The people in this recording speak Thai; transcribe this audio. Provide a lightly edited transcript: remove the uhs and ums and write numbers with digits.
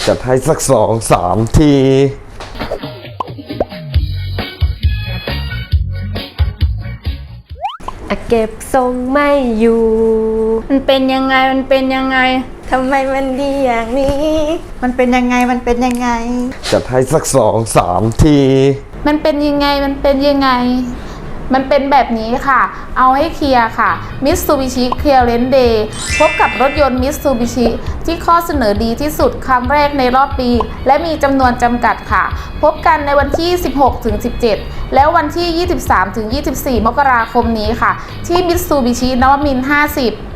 จัดให้สัก2-3 ทีเก็บทรงไม่อยู่มันเป็นยังไงทำไมมันดีอย่างนี้มันเป็นยังไงจัดให้สัก2-3 ทีมันเป็นยังไงมันเป็นแบบนี้ค่ะเอาให้เคลียร์ค่ะ Mitsubishi Clearance Day พบกับรถยนต์ Mitsubishi ที่ข้อเสนอดีที่สุดครั้งแรกในรอบปี และมีจำนวนจำกัดค่ะ พบกันในวันที่ 16-17 แล้ววันที่ 23-24 มกราคมนี้ค่ะ ที่ Mitsubishi นวมินทร์ 50